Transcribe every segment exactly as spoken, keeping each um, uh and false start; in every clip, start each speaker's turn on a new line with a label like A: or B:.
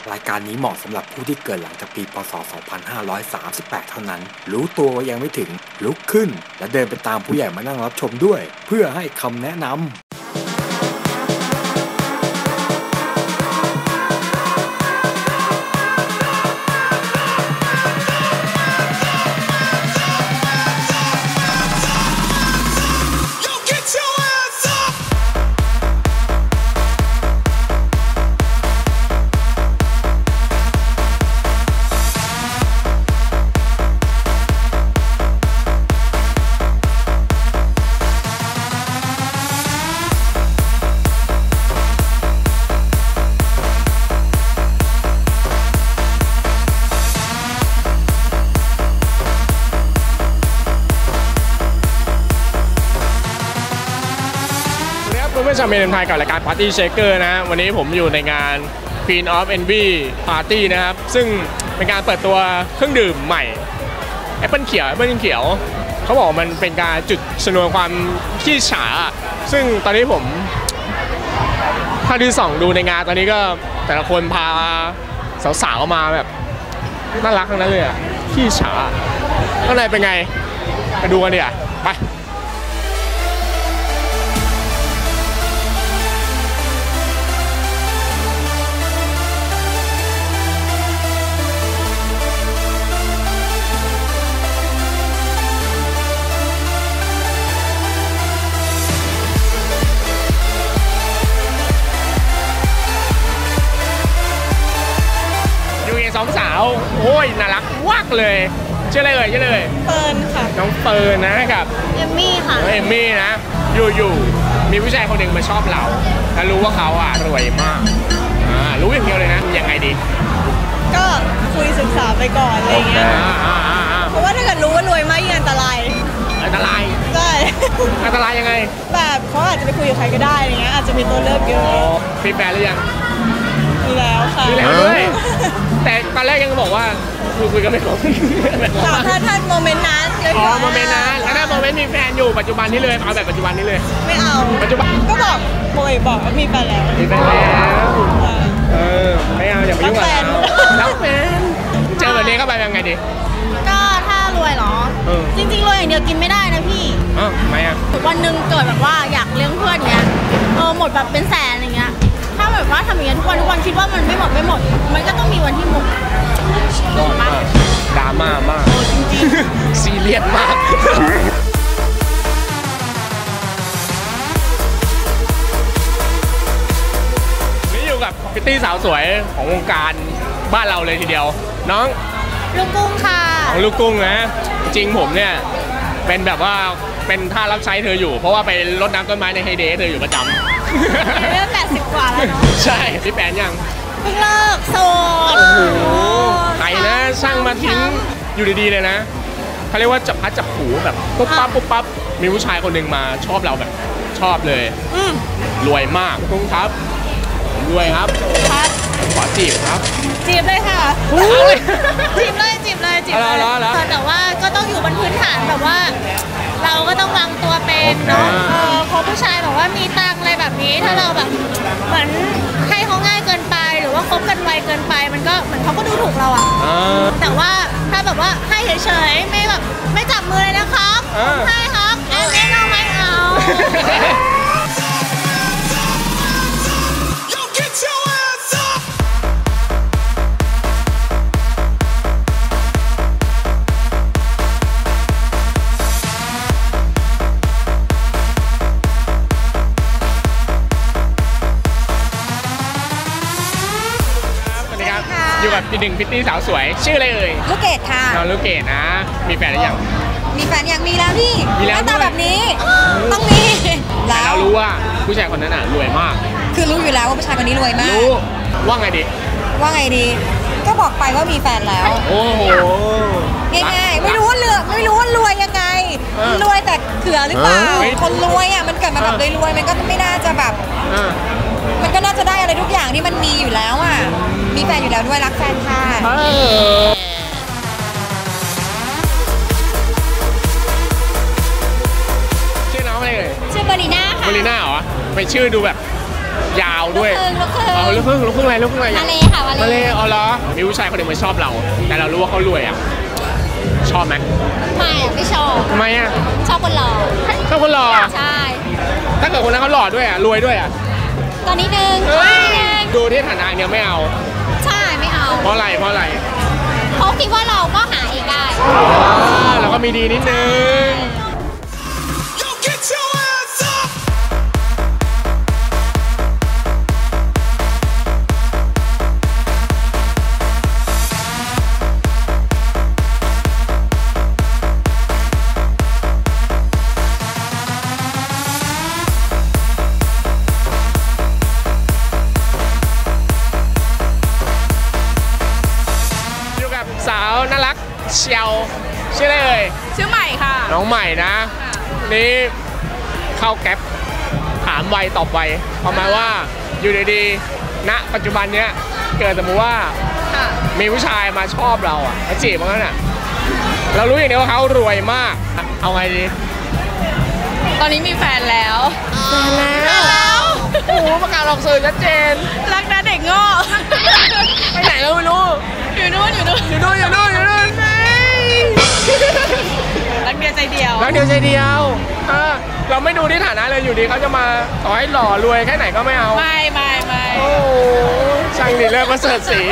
A: รายการนี้เหมาะสำหรับผู้ที่เกิดหลังจากปีพ.ศ. สองพันห้าร้อยสามสิบแปด เท่านั้นรู้ตัวว่ายังไม่ถึงลุกขึ้นและเดินไปตามผู้ใหญ่มานั่งรับชมด้วยเพื่อให้คำแนะนำ
B: เพื่อนชาวเมนไทยกับรายการ Party Shaker นะวันนี้ผมอยู่ในงาน Queen of Envy Party นะครับซึ่งเป็นการเปิดตัวเครื่องดื่มใหม่แอปเปิลเขียวแอปเปิลเขียวเขาบอกมันเป็นการจุดชนวนความขี้ฉาซึ่งตอนนี้ผมถ้าที่ส่องดูในงานตอนนี้ก็แต่ละคนพาสาวๆมาแบบน่ารักทั้งนั้นเลยอ่ะขี้ฉาข้างในเป็นไงไปดูกันดิอ่ะไปสองสาวโอ้ยน่ารักวักเลยชื่ออะไรเอ่ยชื่ออะไรเอ่ย
C: เฟิร์นค่ะ
B: น้องเฟิร์นนะครับ
C: เอมมี่ค่ะ
B: เอมมี่นะอยู่ๆมีผู้ชายคนหนึ่งมาชอบเราแล้วรู้ว่าเขาอ่ะรวยมากอ่ารู้อย่างเดียวเลยนะยังไงดี
C: ก็คุยศึกษาไปก่อนอะไรเงี้ยเพราะว่าถ้าเกิดรู้ว่ารวยมากยิ่งอันตราย
B: อันตราย
C: ใช่
B: อันตรายยังไง
C: แบบเขาอาจจะไปคุยกับใครก็ได้อะไรเงี้ยอาจจะมีตัวเลือกเยอะ
B: มีแฟนหรือยัง
C: มีแล้วค่ะ
B: มีแล้วด้วยแต่ตอนแรกยังบอกว่าคุยคุยกันไม่ครบ
C: ถ้าถ้าโมเมนต์นั้นเลย
B: อ๋อโมเมนต์นั้นถ้าโมเมนต์มีแฟนอยู่ปัจจุบันนี้เลยเอาแบบปัจจุบันนี้เลย
C: ไม่เอา
B: ปัจจุบัน
C: ก็บอกโมยบอกว่ามีแฟนแล้ว
B: มีแฟนแล้วเออไม่เอาอย่าไปยุ่งกับเรารักแฟนเจอแบบนี้เข้าไปยังไงดี
C: ก็ถ้ารวยเหรอจริงๆรวยอย่างเดียวกินไม่ได้นะพี่
B: อ๋อทำไมอ่ะ
C: วันหนึ่งเกิดแบบว่าอยากเลี้ยงเพื่อนเงี้ยเออหมดแบบเป็นแสนอย่างเงี้ยถ้าแบบว่าทำอย่างนี้ทุกวันทุกวันคิดว่ามันไม่หมดไม่หมดมันก็ต้องมีวันที่หมด
B: ยอดมากดราม่ามาก
C: จริง
B: ๆซีเรียสมากนี่อยู่กับพิตตี้สาวสวยของวงการบ้านเราเลยทีเดียวน้อง
C: ลูกกุ้งค่ะ
B: ของลูกกุ้งนะจริงผมเนี่ยเป็นแบบว่าเป็นท่ารับใช้เธออยู่เพราะว่าไปรดน้ำต้นไม้ในไฮเดย์เธออยู่ประจำ
C: เริ่มแปดสิบกว่าแล้วเนาะ
B: ใช่พี่แปนยัง
C: เพิ่งเลิกโสด
B: โอ้โหใครนะช่างมาทิ้งอยู่ดีๆเลยนะเขาเรียกว่าจับพัดจับผูแบบปุ๊บปั๊บปุ๊บปั๊บมีผู้ชายคนหนึ่งมาชอบเราแบบชอบเลยรวยมากคุณครับรวยครับ
C: ครับ
B: ขอจีบครับ
C: จีบเลยค่ะจีบเลยจีบเลยจีบเลยแต่ว่าก็ต้องอยู่บนพื้นฐานแบบว่าเราก็ต้องวางตัวเป็นเนาะเออพอผู้ชายบอกว่ามีตังอะไรแบบนี้ถ้าเราแบบเหมือนให้เขาง่ายเกินไปหรือว่าคบกันไวเกินไปมันก็เหมือนเขาก็ดูถูกเราอ่ะแต่ว่าถ้าแบบว่าให้เฉยๆไม่แบบไม่จับมือเลยนะครับให้ครับเอ๊ะไม่เอาไม่เอา
B: อยู่กับพี่หนึ่งพิตตี้สาวสวยชื่ออะไรเอ่ย
C: ลูกเกดค่ะ
B: น้องลูกเกดนะมีแฟนหรือยัง
C: มีแฟนยังมีแล้วพี่
B: มีแล้ว
C: ตาแบบนี้ต้องมี
B: แล้วเรารู้ว่าผู้ชายคนนั้นน่ะรวยมาก
C: คือรู้อยู่แล้วว่าผู้ชายคนนี้รวยมาก
B: รู้ว่าไงดี
C: ว่าไงดีก็บอกไปว่ามีแฟนแล้ว
B: โอ้โห
C: ง่ายๆไม่รู้ว่าเลือกไม่รู้ว่ารวยยังไงรวยแต่เขือหรือเปล่าคนรวยอ่ะมันเกิดมาแบบรวยๆมันก็ไม่น่าจะแบบมันก็น่าจะได้อะไรทุกอย่างที่มันมีอยู่แล้วอ่ะมีแฟนอยู่แล้วด้วยรักแฟนค่ะ
B: ชื่อน้องอะไรเอ่ย
C: ชื่อบารีน่าค่ะ
B: บารีน่าเหรอไปชื่อดูแบบยาวด้วย
C: ลูกครึ่ง
B: กครึ่งลูกครึ่งอะไรลูกครึ่งอะไร
C: มาเลยค่ะมาเลย
B: มาเลยอ๋อเหรอมีผู้ชายคนหนึ่งมาชอบเรา แต่เรารู้ว่าเขารวยอ่ะชอบไหม
C: ไม่ไม่ชอบ
B: ทำไมอ่ะ
C: ชอบคนหล่อ
B: ชอบคนหล่อ
C: ใช่
B: ถ้าเกิดคนนั้นเขาหล่อด้วยอ่ะรวยด้วยอ่ะ
C: ตอนนี้นึง
B: ดูที่ฐานะเนี่ยไม่เอา
C: ใช่ไม่เอา
B: เพราะอะไรเพราะอะไร
C: เขาคิดว่าเราก็หาเองได้
B: เราก็มีดีนิดนึงสาวน่ารักเชียวชื่ออะไรเอ่ย
D: ชื่อใหม่ค่ะ
B: น้องใหม่นะนี่เข้าแก๊ปถามไวตอบไวประมาณว่าอยู่ดีๆณปัจจุบันเนี้ยเกิดสมมติว่ามีผู้ชายมาชอบเราอ่ะมาจีบมันน่ะเรารู้อย่างเดียวว่าเขารวยมากเอาไงดี
D: ตอนนี้มีแฟนแล้ว
B: แฟนแล้วโอ้โหประกาศออกสื่อชัดเจน
D: รักนะเด็กโง่
B: ไปไหนเราไม่รู้
D: อยู่นู่นอยู่นู่น
B: อยู่นู่นอยู่นู่นอยู่นู่น
D: รักเดียวใจเดียว
B: รักเดียวใจเดียวเราไม่ดูที่ฐานะเลยอยู่ดีเขาจะมาต่อให้หล่อรวยแค่ไหนก็ไม่เอา
D: ไม่ไม่ไม่
B: โอ้ช่างดีเลิศประเสริฐศรี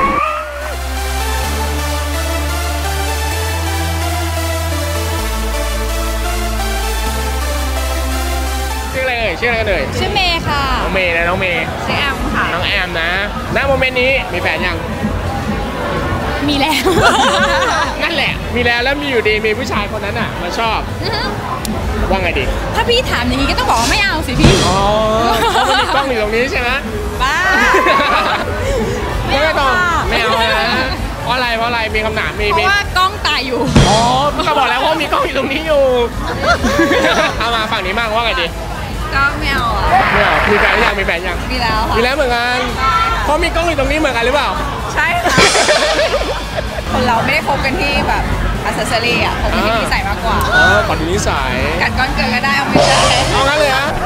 B: ชื่ออะไรเอ่ยชื่ออะไรกันเอ่ย
D: ชื่อเมย์ค่ะ
B: น้องเมย์นะน้องเมย์
D: ชื่อแอมค่ะ
B: น้องแอมนะณโมเมนต์นี้มีแฟนยัง
D: มีแล้ว
B: นั่นแหละมีแล้วแล้วมีอยู่ดีมีผู้ชายคนนั้นอ่ะมาชอบว่าไงดี
D: ถ้าพี่ถามอย่างนี้ก็ต้องบอกว่าไม่เอาสิพี่
B: อ๋อเพราะมันมีกล้องอยู่ตรงนี้ใช่ไหม
D: บ้า
B: ไม่ต้องไม่เอานะเพราะอะไรเพราะอะไรมีคำถามมี
D: เพราะว่ากล้องตายอยู่
B: อ๋อก็บอกแล้วว่ามีกล้องอยู่ตรงนี้อยู่เอามาฝั่งนี้มั่งว่าไงดี
D: ก็ไม่เอาอ่ะ
B: ไม่เอามีแฟนยังมีแฟนยัง
D: มีแล้วค่ะ
B: มีแล้วเหมือนกันเพราะมีกล้องอยู่ตรงนี้เหมือนกันหรือเปล่า
D: ใช่ค่ะคนเราไม่ได้คบกันที่แบบอัซเซอรี่อ่ะคบกันที่นิสัยมากกว่า
B: อ๋อก่อนนิสัย
D: กัดก้อนเกินก็ได้เอาไม่ใช่
B: เอางั้นเลยฮะ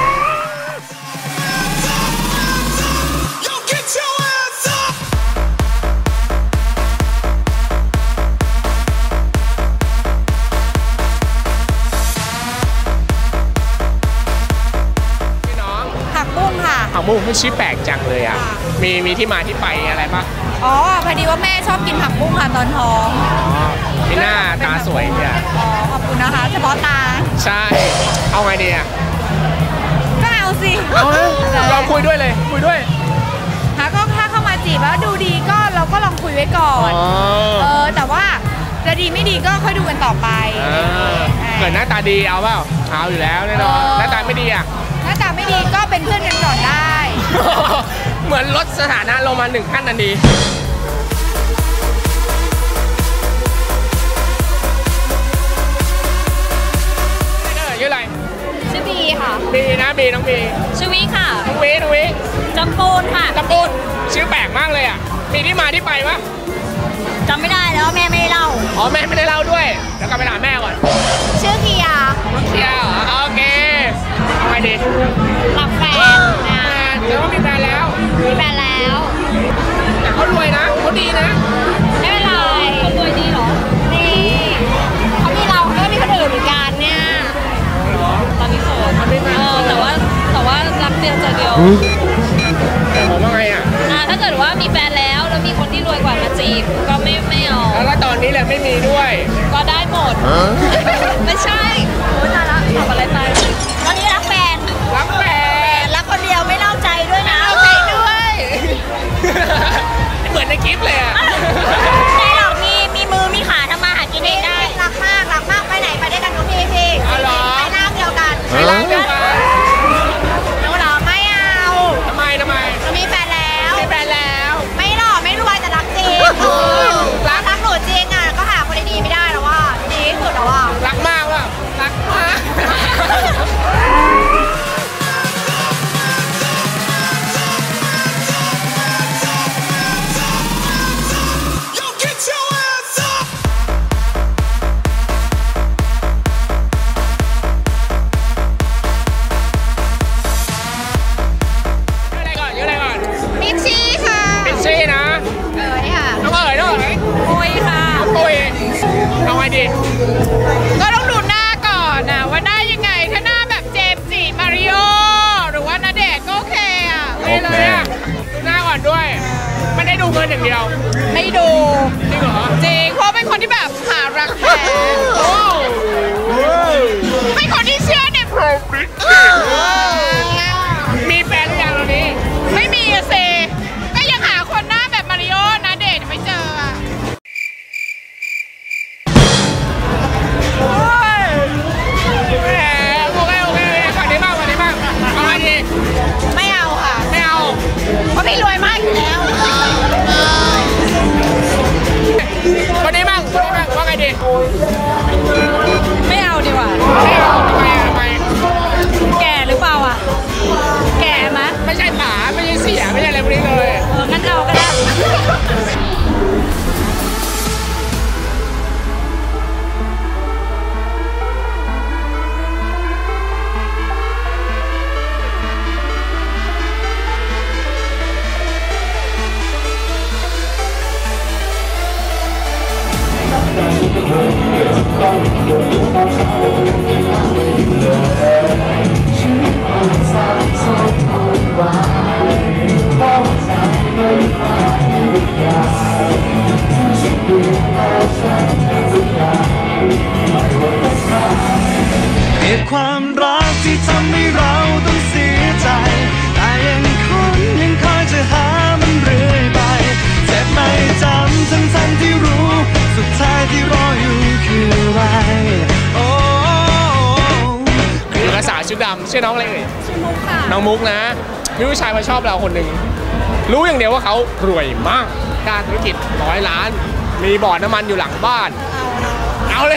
B: ผักบุ้งมันชื่อแปลกจังเลยอ่ะมีมีที่มาที่ไปอะไรปะ
D: อ๋อพอดีว่าแม่ชอบกินผักบุ้งค่ะตอนท้อง
B: อ๋อที่หน้าตาสวยเนี่ย
D: อ๋อขอบคุณนะคะเฉพาะตา
B: ใช่เอาไงดีอ่ะ
D: ก็เอาสิ
B: เอาเลยลองคุยด้วยเลยคุยด้วย
D: หาก็ถ้าเข้ามาจีบแล้วดูดีก็เราก็ลองคุยไว้ก่อนเออแต่ว่าจะดีไม่ดีก็ค่อยดูกันต่อไป
B: เกิดหน้าตาดีเอาเปล่าเอาอยู่แล้วแน่นอนหน้าตาไม่ดีอ่ะ
D: หน้าตาไม่ดีก็เป็นเพื่อนกันก่อนได้
B: เหมือนลดสถานะลงมาหนึ่งขั้นทันทีชื่ออะไร
C: ชื่อบีค่ะ
B: บีนะบีน้องบี
C: ชื่อวิค่ะ
B: น้องวิน้องวิ
C: จำปูนค่ะ
B: จำปูนชื่อแปลกมากเลยอ่ะมีที่มาที่ไปปะ
C: จำไม่ได้แล้วแม่ไม่ได้เล่า
B: อ๋อแม่ไม่ได้เล่าด้วยเดี๋ยวกลับไปถามแม่ก่อน
C: ชื่อเคียร์
B: เคียร์เหรอโอเคทำไมดี
C: หลับแฟนนะ
B: เดี๋ยวมีแฟนแล้ว
C: มีแฟนแล้ว
B: แต่เขารวยนะเขาดีนะ
C: ไม่เป็นไรเขารวยดีเหรอดีเขามีเราก็มีคนอื่นเหมือนกันเนี่ยตอนนี้โสดเออแต่ว่าแต่ว่ารักเดียวใจเดียว
B: แต่ผมว่าไงอ่ะ
C: ถ้าเกิดว่ามีแฟนแล้วแล้วมีคนที่รวยกว่ามาจีบก็ไม่ไม่เอา
B: แล้วตอนนี้แหละไม่มีด้วย
C: ก็ได้หมดไม่ใช่โอ้ยตายละตอบอะไรไปตอนนี้รักแฟน
B: รักแฟน
C: รักคนเดียวไม่เล่าใจด้วยนะ
B: เล่าใจด้วยเหมือนในคลิปเลยอ่ะ
C: ใช่หรอกมีมีมือมีขาทำมาหากินเองได้รักมากรักมากไปไหนไปด้วยกันทุกทีพี่ไปร่างเดียวกัน
B: ไปร่างเดียวกัน
C: หนูหรอไม่เอา
B: ทำไมทำไม
C: มีแฟนแล้ว
B: มีแฟนแล้ว
C: ไม่หรอไม่รวยแต่รักจริงรักรักหนูจริงอ่ะก็หาคนดีไม่ได้แล้วว่าดีที่สุดแล้วว่า
B: รักมากว่ะรักมากโอ้ยเอาไงดี
D: ก็ต้องดูหน้าก่อนนะว่าหน้ายังไงถ้าหน้าแบบเจมส์จิมาริโอหรือว่าณเดชน์ก็โอเคอ่ะ
B: ไม่เลยอ่ะดูหน้าก่อนด้วยไม่ได้ดูเงินอย่างเดียว
D: ไม่ดู
B: จริงเหรอ
D: จริงเพราะเป็นคนที่แบบหารักแท้เป็นคนที่เชื่อในพรหมลิขิต
B: มีแฟนหรือยังตอนนี้
D: ไม่มีอะเซก็ยังหาคนหน้าแบบมาริโอณเดชน์ไม่เจออะไม่เอาค่ะ
B: ไม่เอา
D: เพราะพี่รวยมากอยู่แล้ว
B: วันนี้บ้างวันนี้บ้างว่าไงดี
D: ไม่เอาดีกว่า
B: ไม่เอาทำไมทำไม
D: แก่หรือเปล่าอ่ะแก่ไหม
B: ไม่ใช่ป๋าไม่ใช่เสียไม่ใช่อะไรพวกนี้เลย
D: เอองั้นเอาก็ได้
E: เหตุความรักที่ทำให้เราต้องเสียใจแต่ยังคงยังคอยจะหามันเรื่อยไปเจ็บไม่จำทั้งทั้งที่รู้สุดท้ายที่รออยู่คืออะไรโอ้
B: คือภาษาชุดดำชื่อน้องอะไรเอ่ย
D: ชื่อมุกค่ะ
B: น้องมุกนะมีผู้ชายมาชอบเราคนหนึ่งรู้อย่างเดียวว่าเขารวยมากการธุรกิจร้อยล้านมีบ่อน้ำมันอยู่หลังบ้านเอาเลย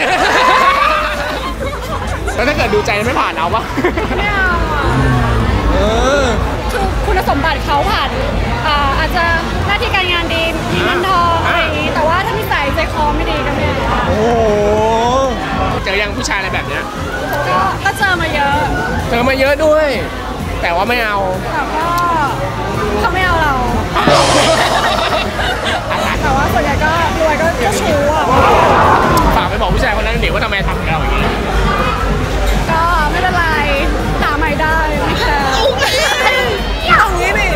B: แล้วถ้าเกิดดูใจไม่ผ่านเอาปะ
D: ไม่เอาอ่ะ
B: เออ
D: คือคุณสมบัติเขาผ่านอ่าอาจจะหน้าที่การงานดีมีเงินทองอะไรอย่างนี้แต่ว่าถ้านิสัยใจคอไม่ดีก็ไม่เอา
B: โอ้เจอยังผู้ชายอะไรแบบเนี้ย
D: ก็ก็เจอมาเยอะ
B: เจอมาเยอะด้วยแต่ว่าไม่เอา
D: แต่ก็เขาไม่เอาเราแต่ว่าส่วนใหญ่ก็รวยก็ก็ชู้อ่ะ
B: ฝากไปบอกผู้ชายคนนั้นเดี๋ยวว่าทำไมทำกับเราอย่างนี้
D: ก็ไม่เป็นไรหาใหม่ได้ไม่แคร์อย่างนี้ดิ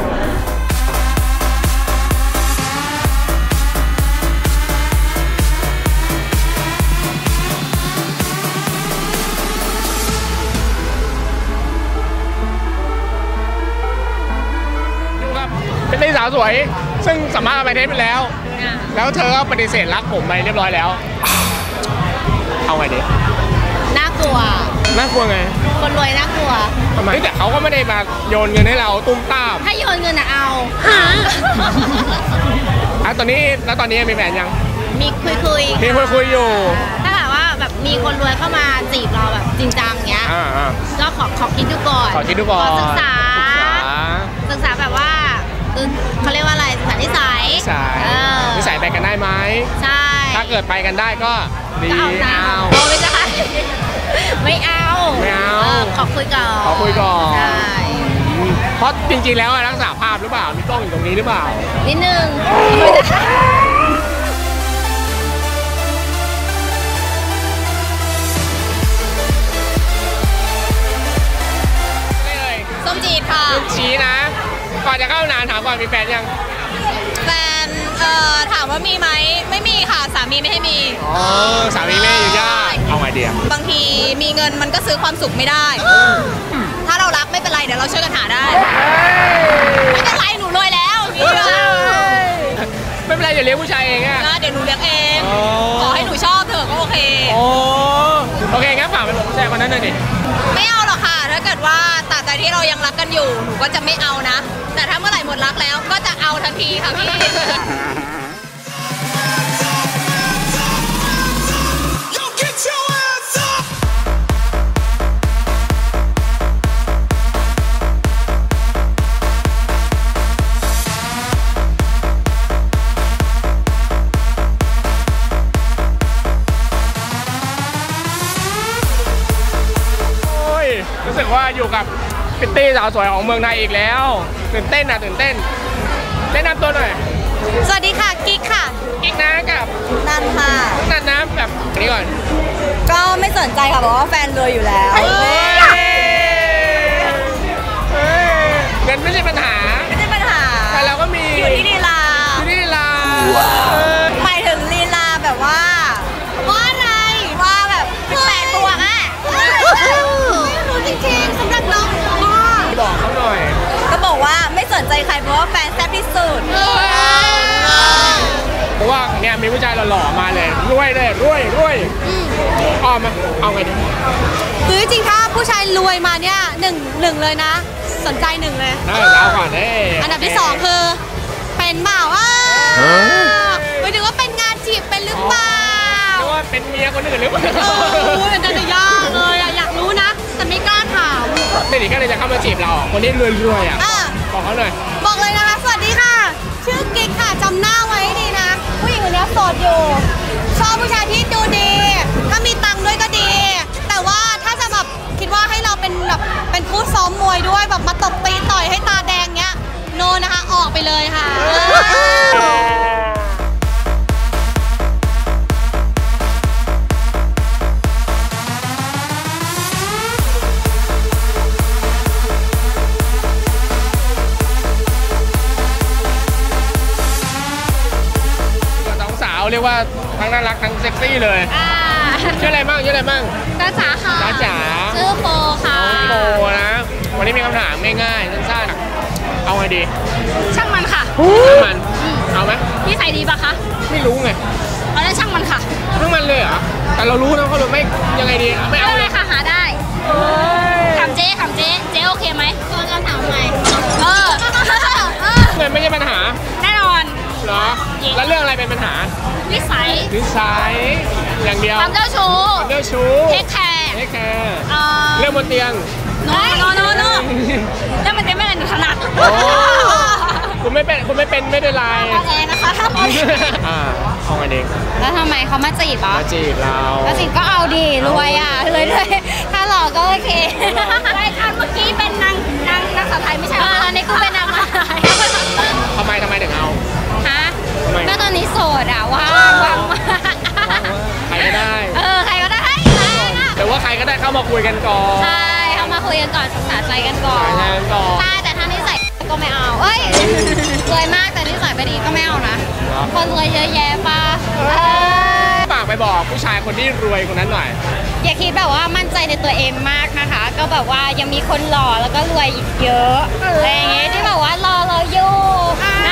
B: เป็นสาวสวยซึ่งสามารถไปเทสไปแล้วแล้วเธอก็ปฏิเสธรักผมไปเรียบร้อยแล้วเอาไงดี
C: น่ากลัว
B: น่ากลัวไง
C: คนรวยน่ากลัว
B: ทำไมแต่เขาก็ไม่ได้มาโยนเงินให้เราตุ้มตาม
C: ถ้าโยนเงินอะเอา
B: ฮะอ่ะตอนนี้แล้วตอนนี้มีแฟนยัง
C: มีคุยคุย
B: มีคุยคุยอยู่
C: ถ้าหากว่าแบบมีคนรวยเข้ามาจีบเราแบบจริงจังเงี้ยก็ขอขอคิดดูก่อน
B: ขอคิดดูก่อน
C: ศึกษาศึกษาแบบว่าเขาเรียกว่าอะไรศึกษานิสัย
B: นิสัยนิสัยไปกันได้ไหม
C: ใช่
B: ถ้าเกิดไปกันได้ก็ดี
C: เอาไม่ใช่ไม่เอา
B: ไม่เอา
C: ขอคุยก่อน
B: ขอคุยก่อน
C: ใช่
B: เพราะจริงๆแล้วรักษาภาพหรือเปล่ามีกล้องอยู่ตรงนี้หรือเปล่า
C: นิดนึงส้มจีดค่ะ
B: ส้มจีดนะก่อนจะเข้านานถามก่อนมีแฟนยัง
C: แฟนเอ่อถามว่ามีไหมไม่มีค่ะสามีไม่ให้มี
B: อ๋อสามีไม่อนุญาตเอาไงดี
C: บางทีมีเงินมันก็ซื้อความสุขไม่ได้ถ้าเรารักไม่เป็นไรเดี๋ยวเราช่วยกันหาได้ไม่เป็นไรหนูรวยแล้ว
B: ไม่เป็นไรเดี๋ยวเลี้ยงผู้ชายเองอะ
C: เดี๋ยวหนูเลี้ยงเองขอให้หนูชอบเถอะก็โอเค
B: โอเคงั้นฝากไปบอกผู้ชายคนนั้นหน่อยดิ
C: ไม่เอาหรอกค่ะถ้าเกิดว่าตราบใดที่เรายังรักกันอยู่หนูก็จะไม่เอานะแต่ถ้าเมื่อไหร่หมดรักแล้วก็จะเอาทันทีค่ะพี่
B: รู้สึกว่าอยู่กับพิตตี้สาวสวยของเมืองไทยอีกแล้วตื่นเต้นนะตื่นเต้นแนะนำตัวหน่อย
D: สวัสดีค่ะกิ๊กค่ะ
B: กิ๊กนะกับ
D: นันค่ะ
B: นันนะแบบนี้ก่อน
D: ก็ไม่สนใจค่ะบอกว่าแฟนรวยอยู่แล้ว
B: เงินไม่ใช่ปัญหา
D: ไม่ใช่ปัญหา
B: แต่เราก็มี
D: อยู่ที่ลีลา
B: อยู่ที่ลีลา
D: หมายถึงลีลาแบบว่าว่าอะไรว่าแบบแปดบวกอ่ะไม่รู้จริงๆสำหรับน้อง
B: บอกเขาหน่อย
D: ก็บอกว่าไม่สนใจใครเพราะว่าแฟนแซ่บที่สุด
B: เพราะว่าเนี่ยมีผู้ชายหล่อๆมาเลยรวยเลยรวยรวยอ้อมมาเอาไงดี
D: คือจริงถ้าผู้ชายรวยมาเนี่ยหนึ่งหนึ่งเลยนะ สนใจหนึ่งเลย
B: เออเอาก่อนเอ้ย
D: อันดับที่สองคือเป็นเปล่าว่าไม่ถึงว่าเป็นงานจีบเป็นหรือเปล่า
B: หรือว่าเป็นเมียคนอื่นหรือเปล่า
D: เออเป็นจะยากเลยอะอยากรู้นะแต่ไม่กล้าถาม
B: เด็กๆก็เลยจะเข้ามาจีบเราคนที่รวยๆอ่ะ
D: อ่ะ
B: บอกเขาหน่อย
D: บอกเลยนะคะสวัสดีค่ะ ชื่อกิ๊กค่ะจำหน้าไว้ให้ดีนะ ผู้หญิงคนนี้โสดอยู่ ชอบผู้ชายที่ดูดี ถ้ามีตังค์ด้วยก็ดี แต่ว่าถ้าจะแบบคิดว่าให้เราเป็นแบบเป็นคู่ซ้อมมวยด้วยแบบมาตบตีต่อยให้ตาแดงเงี้ยโนนะคะออกไปเลยค่ะ
B: สองสาวเรียกว่าทั้งน่ารักทั้งเซ็กซี่เลยชื่ออะไรบ้างชื่ออะไรบ้าง
D: จ้าจ๋าค่ะ
B: จ้าจ๋า
D: ชื่อโฟค่ะ
B: โบนะ วันนี้มีคำถามง่ายๆสั้นๆเอาไงดี
D: ช่างมันค่ะ
B: ช่างมันเอาไหม
D: นิสัยดีปะคะ
B: ไม่รู้ไง
D: เอาได้ช่างมันค่ะ
B: ช่างมันเลยเหรอแต่เรารู้นะเขาเลยไม่ยังไงดีไม่เอาเลย
D: ค่ะหาได้ถามเจ๊ถามเจ๊เจ๊โอเคไหมตอนคำถามใหม่เออ
B: เงินไม่ใช่ปัญหา
D: แน่นอน
B: เหรอแล้วเรื่องอะไรเป็นปัญหา
D: นิสัย
B: นิสัยอย่างเดียว
D: ความเจ้าชู้
B: ความเจ้าชู้
D: เทคแคร์
B: เทคแคร์
D: เอ่อ
B: เรื่องบนเตียง
D: โนโนโนโนแล้วมันจะไม่อะไรหนูถนัด
B: โอ้คุณไม่เป็นคุณไม่เป็นไม่เป็นไร
D: ออนแอร์นะคะ
B: อ่าเอาไงดี
D: แล้วทำไมเขามาจีบอ่ะ
B: มาจีบเรา
D: มาจีบก็เอาดีรวยอ่ะเลยเลยถ้าหล่อก็โอเครายการเมื่อกี้เป็นนางนางนักสาวไทยไม่ใช่เหรออันนี้กูเป็นนางมาไทย
B: ทำไมทำไมถึงเอา
D: ฮะ
B: ทำไม
D: ก็ตอนนี้โสดอ่ะว่างว่างมาก
B: ใครก็ได้
D: เออใครก็ได้
B: หรือว่าใครก็ได้เข้ามาคุยกันก่อน
D: ใช่เข้ามาคุยกันก่อนศึกษาใจกันก่อน
B: ใช่กันก่อน
D: ใช่แต่ถ้านิสัยก็ไม่เอาเอ้ยรวยมากแต่นิสัยไม่ดีก็ไม่เอานะคนรวยเยอะแยะป่ะเออ
B: ฝากไปบอกผู้ชายคนที่รวยคนนั้นหน่อย
D: อย่าคิดแบบว่ามั่นใจในตัวเองมากนะคะ ก็แบบว่ายังมีคนหล่อแล้วก็รวยอีกเยอะอะไรอย่างเงี้ยที่แบบว่ารอเราอยู่นะ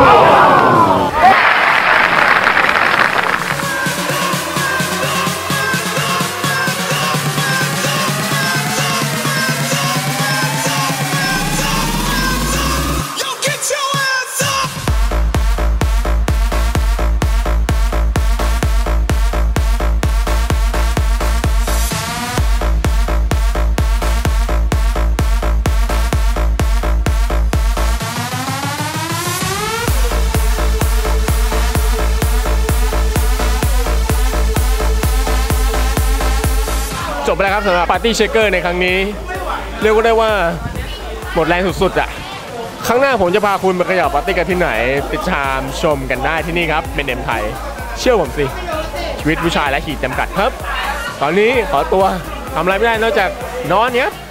B: จบไปแล้วครับสำหรับปาร์ตี้เชคเกอร์ในครั้งนี้ เรียกว่าได้ว่าหมดแรงสุดๆอ่ะครั้งหน้าผมจะพาคุณไปขยับปาร์ตี้กันที่ไหนติดตามชมกันได้ที่นี่ครับเป็นเอ็มไทยเชื่อผมสิชีวิตผู้ชายและขีดจำกัดครับ ตอนนี้ขอตัวทำอะไรไม่ได้นอกจากนอนเนี้ย